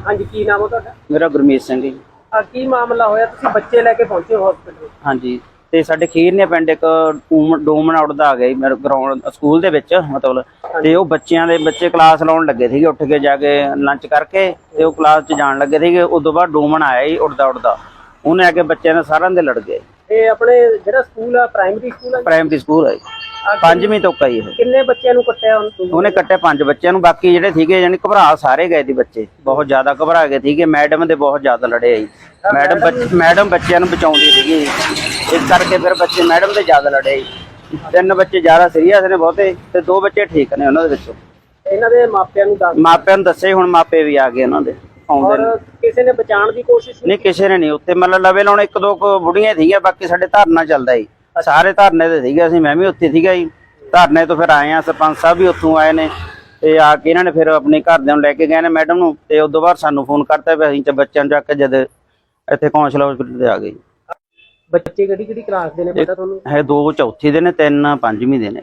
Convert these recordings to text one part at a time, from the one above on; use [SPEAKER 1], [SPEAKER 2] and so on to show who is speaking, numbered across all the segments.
[SPEAKER 1] ਹਾਂਜੀ, ਕੀ ਨਾਮ ਹੈ ਤੁਹਾਡਾ?
[SPEAKER 2] ਮੇਰਾ ਗੁਰਮੀਤ ਸਿੰਘ ਜੀ।
[SPEAKER 1] ਕੀ ਮਾਮਲਾ ਹੋਇਆ? ਤੁਸੀਂ ਬੱਚੇ ਲੈ ਕੇ ਪਹੁੰਚੇ ਹੋ ਹਸਪੀਟਲ?
[SPEAKER 2] ਹਾਂਜੀ, ਤੇ ਸਾਡੇ ਖੀਰਨੇ ਪਿੰਡ ਇੱਕ ਡੋਮਨ ਆਊਟ ਦਾ ਆ ਗਿਆ ਜੀ ਮੇਰੇ ਗਰਾਊਂਡ ਸਕੂਲ ਦੇ ਵਿੱਚ ਮਤਲਬ। ਤੇ ਉਹ ਬੱਚੇ ਕਲਾਸ ਲਾਉਣ ਲੱਗੇ ਸੀਗੇ, ਉੱਠ ਕੇ ਜਾ ਕੇ ਲੰਚ ਕਰਕੇ ਤੇ ਉਹ ਕਲਾਸ 'ਚ ਜਾਣ ਲੱਗੇ ਸੀਗੇ। ਉਦੋਂ ਬਾਅਦ ਡੋਮਨ ਆਇਆ ਜੀ ਉੱਡਦਾ ਉਹਨੇ ਆ ਕੇ ਬੱਚਿਆਂ ਨੇ ਸਾਰਿਆਂ ਦੇ ਲੜ ਗਏ।
[SPEAKER 1] ਇਹ ਆਪਣੇ ਜਿਹੜਾ ਸਕੂਲ ਆ ਪ੍ਰਾਇਮਰੀ ਸਕੂਲ ਆ?
[SPEAKER 2] ਪ੍ਰਾਇਮਰੀ ਸਕੂਲ ਹੈ ਜੀ, 5ਵੀਂ ਤੋਂ ਕਈ।
[SPEAKER 1] ਕਿੰਨੇ ਬੱਚਿਆਂ ਨੂੰ ਕੱਟਿਆ
[SPEAKER 2] ਉਹਨੇ ਕੱਟਿਆ 5 ਬੱਚਿਆਂ ਨੂੰ, ਬਾਕੀ ਜਿਹੜੇ ਸੀਗੇ ਯਾਨੀ ਘਬਰਾ ਸਾਰੇ ਗਏ ਸੀ ਬੱਚੇ, ਬਹੁਤ ਜ਼ਿਆਦਾ ਘਬਰਾ ਗਏ ਸੀਗੇ। ਮੈਡਮ ਦੇ ਬਹੁਤ ਜ਼ਿਆਦਾ ਲੜੇ ਆ ਜੀ। ਮੈਡਮ ਬੱਚਿਆਂ ਨੂੰ ਬਚਾਉਂਦੀ ਸੀਗੀ, ਇਸ ਕਰਕੇ ਫਿਰ ਬੱਚੇ ਮੈਡਮ ਦੇ ਜ਼ਿਆਦਾ ਲੜੇ ਜੀ। 3 ਬੱਚੇ ਜ਼ਿਆਦਾ ਸੀਰੀਅਸ ਨੇ ਬਹੁਤੇ, ਤੇ 2 ਬੱਚੇ ਠੀਕ ਨੇ ਉਹਨਾਂ ਦੇ ਵਿੱਚੋਂ।
[SPEAKER 1] ਇਹਨਾਂ ਦੇ ਮਾਪਿਆਂ ਨੂੰ
[SPEAKER 2] ਦੱਸੇ, ਹੁਣ ਮਾਪੇ ਵੀ ਆ ਗਏ ਉਹਨਾਂ ਦੇ ਆਉਂਦੇ ਨੇ।
[SPEAKER 1] ਕਿਸੇ ਨੇ ਬਚਾਉਣ ਦੀ ਕੋਸ਼ਿਸ਼
[SPEAKER 2] ਨਹੀਂ, ਕਿਸੇ ਨੇ ਨਹੀਂ। ਉੱਥੇ ਮਤਲਬ ਲਵੇ ਲਾਉਣ 1-2 ਬੁੜੀਆਂ ਸੀਗੀਆਂ, ਬਾਕੀ ਸਾਡੇ ਧਰਨਾ ਚੱਲਦਾ ਜੀ, ਸਾਰੇ ਧਰਨੇ ਤੇ ਸੀਗੇ। ਅਸੀਂ ਮੈਂ ਵੀ ਉੱਥੇ ਸੀਗਾ ਜੀ, ਧਰਨੇ ਤੋਂ ਫਿਰ ਆਏ ਆ। ਸਰਪੰਚ ਸਾਹਿਬ ਵੀ ਉੱਥੋਂ ਆਏ ਨੇ, ਤੇ ਆ ਕੇ ਇਹਨਾਂ ਨੇ ਫਿਰ ਆਪਣੇ ਘਰਦਿਆਂ ਨੂੰ ਲੈ ਕੇ ਗਏ ਨੇ ਮੈਡਮ ਨੂੰ, ਤੇ ਉਦੋਂ ਬਾਅਦ ਸਾਨੂੰ ਫੋਨ ਕਰਤਾ ਵੀ ਅਸੀਂ ਤੇ ਬੱਚਿਆਂ ਨੂੰ ਚੱਕ ਕੇ ਜਦ ਇੱਥੇ ਕੌਂਸਲ ਹਸਪੀਟਲ ਤੇ ਆ ਗਏ।
[SPEAKER 1] ਬੱਚੇ ਕਿਹੜੀ ਕਲਾਸ ਦੇ ਨੇ ਪਤਾ ਤੁਹਾਨੂੰ?
[SPEAKER 2] ਹੈ 2 ਚੌਥੀ ਦੇ ਨੇ, 3 5ਵੀਂ ਦੇ ਨੇ।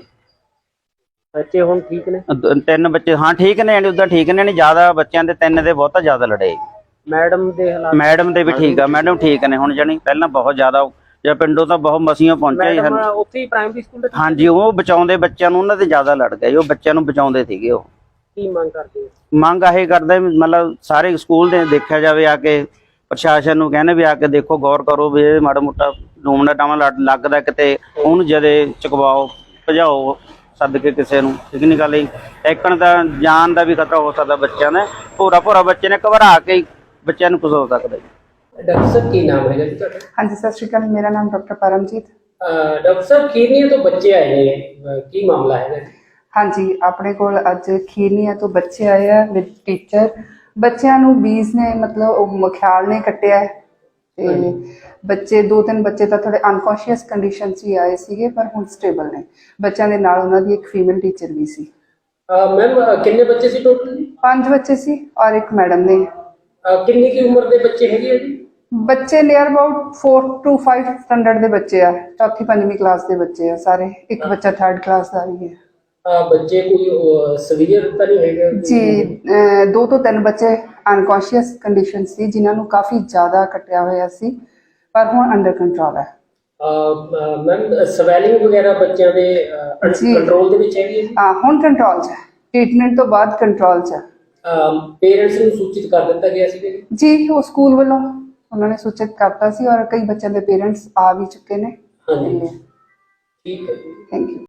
[SPEAKER 1] ਬੱਚੇ ਹੁਣ ਠੀਕ ਨੇ?
[SPEAKER 2] 3 ਬੱਚੇ ਹਾਂ ਠੀਕ ਨੇ, ਯਾਨੀ ਉਦਾਂ ਠੀਕ ਨੇ, ਨਹੀਂ ਜ਼ਿਆਦਾ ਬੱਚਿਆਂ ਦੇ 3 ਦੇ ਬਹੁਤਾ ਜ਼ਿਆਦਾ ਲੜੇ।
[SPEAKER 1] ਮੈਡਮ ਦੇ ਹਾਲਾਤ?
[SPEAKER 2] ਮੈਡਮ ਦੇ ਵੀ ਠੀਕ ਆ, ਮੈਡਮ ਠੀਕ ਨੇ ਹੁਣ, ਜਾਣੀ ਪਹਿਲਾਂ ਬਹੁਤ ਜ਼ਿਆਦਾ ਜਾਂ ਪਿੰਡੋਂ ਤਾਂ ਬਹੁਤ ਮਸੀਆਂ ਪਹੁੰਚੇ ਹਨ
[SPEAKER 1] ਉੱਥੇ ਹੀ ਪ੍ਰਾਇਮਰੀ ਸਕੂਲ ਦੇ।
[SPEAKER 2] ਹਾਂਜੀ, ਉਹ ਬਚਾਉਂਦੇ ਬੱਚਿਆਂ ਨੂੰ, ਉਹਨਾਂ ਦੇ ਜ਼ਿਆਦਾ ਲੜ ਗਏ। ਉਹ ਬੱਚਿਆਂ ਨੂੰ ਬਚਾਉਂਦੇ ਸੀਗੇ। ਉਹ
[SPEAKER 1] ਕੀ ਮੰਗ ਕਰਦੇ?
[SPEAKER 2] ਮੰਗ ਇਹ ਕਰਦੇ ਮਤਲਬ ਸਾਰੇ ਸਕੂਲ ਦੇ ਦੇਖਿਆ ਜਾਵੇ, ਆ ਕੇ ਪ੍ਰਸ਼ਾਸਨ ਨੂੰ ਕਹਿੰਦੇ ਵੀ ਆ ਕੇ ਦੇਖੋ, ਗੌਰ ਕਰੋ ਵੀ ਇਹ ਮਾੜਾ ਮੋਟਾ ਡੂਮਣਾ ਟਾਵਾਂ ਲੱਗਦਾ ਕਿਤੇ, ਉਹਨੂੰ ਜਦੇ ਚੁਕਵਾਓ, ਭਜਾਓ ਸੱਦ ਕੇ ਕਿਸੇ ਨੂੰ। ਠੀਕ ਨਹੀਂ ਗੱਲ ਜੀ, ਇੱਕਣ ਦਾ ਜਾਨ ਦਾ ਵੀ ਖਤਰਾ ਹੋ ਸਕਦਾ ਬੱਚਿਆਂ ਨੇ। ਭੋਰਾ ਬੱਚੇ ਨੇ ਘਬਰਾ ਕੇ ਬੱਚਿਆਂ ਨੂੰ ਕੁਝ ਹੋ ਸਕਦਾ ਜੀ।
[SPEAKER 1] ਡਾਕਟਰ ਸਾਹਿਬ ਕੀ ਨਾਮ ਹੈਗਾ ਜੀ ਤੁਹਾਡਾ?
[SPEAKER 3] ਹਾਂਜੀ, ਸਤਿ ਸ਼੍ਰੀ ਅਕਾਲ। ਮੇਰਾ ਨਾਮ ਡਾਕਟਰ ਪਰਮਜੀਤ।
[SPEAKER 1] ਡਾਕਟਰ ਸਾਹਿਬ, ਖੀਰਨੀਆ ਤੋਂ ਬੱਚੇ ਆਏ ਨੇ, ਕੀ ਮਾਮਲਾ ਹੈਗਾ?
[SPEAKER 3] ਹਾਂਜੀ, ਆਪਣੇ ਕੋਲ ਅੱਜ ਖੀਰਨੀਆ ਤੋਂ ਬੱਚੇ ਆਏ ਆ ਵਿਦ ਟੀਚਰ। ਬੱਚਿਆਂ ਨੂੰ ਬੀਜ ਨੇ ਮਤਲਬ ਉਹ ਮਖਿਆਲ ਨੇ ਕੱਟਿਆ ਹੈ, ਤੇ ਬੱਚੇ 2-3 ਬੱਚੇ ਤਾਂ ਥੋੜੇ ਅਨਕੌਂਸ਼ੀਅਸ ਕੰਡੀਸ਼ਨ 'ਚ ਹੀ ਆਏ ਸੀਗੇ, ਪਰ ਹੁਣ ਸਟੇਬਲ ਨੇ। ਬੱਚਿਆਂ ਦੇ ਨਾਲ ਉਹਨਾਂ ਦੀ ਇੱਕ ਫੀਮੇਲ ਟੀਚਰ ਵੀ ਸੀ।
[SPEAKER 1] ਮੈਮ, ਕਿੰਨੇ ਬੱਚੇ ਸੀ ਟੋਟਲ?
[SPEAKER 3] 5 ਬੱਚੇ ਸੀ ਔਰ ਇੱਕ ਮੈਡਮ ਨੇ।
[SPEAKER 1] ਕਿੰਨੀ ਕੀ ਉਮਰ ਦੇ ਬੱਚੇ ਹੈਗੇ ਆ ਜੀ?
[SPEAKER 3] ਬੱਚੇ ਨੀਅਰ ਅਬਾਊਟ 4 to 5 ਸਟੈਂਡਰਡ ਦੇ ਬੱਚੇ ਆ, 4th 5ਵੀਂ ਕਲਾਸ ਦੇ ਬੱਚੇ ਆ ਸਾਰੇ। ਇੱਕ ਬੱਚਾ 3rd ਕਲਾਸ ਦਾ ਵੀ ਹੈ।
[SPEAKER 1] ਬੱਚੇ ਕੋਈ ਸਵੀਅਰ ਤਾਂ ਨਹੀਂ ਹੈਗਾ
[SPEAKER 3] ਜੀ? 2 ਤੋਂ 3 ਬੱਚੇ ਅਨਕੌਂਸ਼ੀਅਸ ਕੰਡੀਸ਼ਨ ਸੀ, ਜਿਨ੍ਹਾਂ ਨੂੰ ਕਾਫੀ ਜ਼ਿਆਦਾ ਕੱਟਿਆ ਹੋਇਆ ਸੀ, ਪਰ ਹੁਣ ਅੰਡਰ ਕੰਟਰੋਲ ਹੈ।
[SPEAKER 1] ਮੈਮ, ਸਵੈਲਿੰਗ ਵਗੈਰਾ ਬੱਚਿਆਂ ਦੇ ਕੰਟਰੋਲ ਦੇ ਵਿੱਚ ਹੈਗੀ ਹੈ?
[SPEAKER 3] ਹੁਣ ਕੰਟਰੋਲ 'ਚ ਹੈ, ਟ੍ਰੀਟਮੈਂਟ ਤੋਂ ਬਾਅਦ ਕੰਟਰੋਲ 'ਚ ਹੈ।
[SPEAKER 1] ਪੇਰੈਂਟਸ ਨੂੰ ਸੂਚਿਤ ਕਰ ਦਿੱਤਾ ਗਿਆ ਸੀ
[SPEAKER 3] ਜੀ? ਉਹ ਸਕੂਲ ਵੱਲੋਂ ਉਹਨਾਂ ਨੇ ਸੂਚਿਤ ਕਰਤਾ ਸੀ, ਔਰ ਕਈ ਬੱਚਿਆਂ ਦੇ ਪੇਰੈਂਟਸ ਆ ਵੀ ਚੁੱਕੇ ਨੇ।
[SPEAKER 1] ਹਾਂਜੀ, ਠੀਕ ਹੈ।
[SPEAKER 3] Thank you.